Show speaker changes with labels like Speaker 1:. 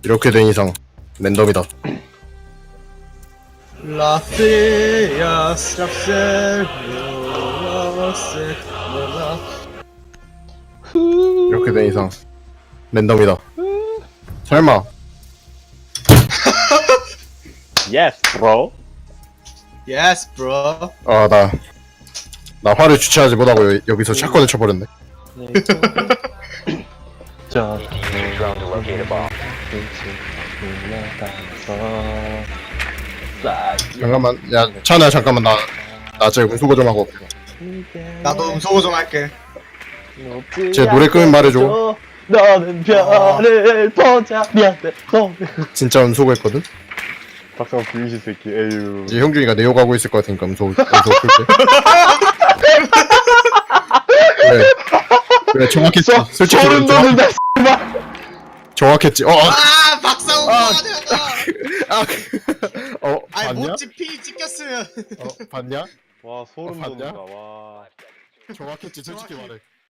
Speaker 1: 이렇게 된 이상 랜덤이다.
Speaker 2: 라스야 샵셀
Speaker 1: 이렇게 된 이상 랜덤이다. 설마
Speaker 3: Yes, bro.
Speaker 2: Yes bro.
Speaker 1: 나 화를 주체하지 못하고 여기서 샷건을 쳐버렸네.
Speaker 3: 자,
Speaker 1: 잠깐만, 야 찬우야 잠깐만 나 지금 운수고 좀 하고.
Speaker 2: 나도 음소거 좀 할게.
Speaker 1: 제 노래 끄면 말해줘.
Speaker 3: 너는 별을 보자. 미안해.
Speaker 1: 진짜 운수고 했거든.
Speaker 3: 박상 부유시 새끼. 에휴.
Speaker 1: 이제 형준이가 내욕 하고 있을 것 같으니까 운수 풀게. 그래 정확했지. 솔직히
Speaker 3: 소름 돋는다.
Speaker 1: 정확했지.
Speaker 2: 아 박상우 아니
Speaker 1: 봤냐?
Speaker 2: 모찌 피 찍혔으면.
Speaker 1: 봤냐?
Speaker 3: 와, 소름
Speaker 1: 봤냐?
Speaker 3: 돋는다. 와.
Speaker 1: 정확했지 솔직히 말해.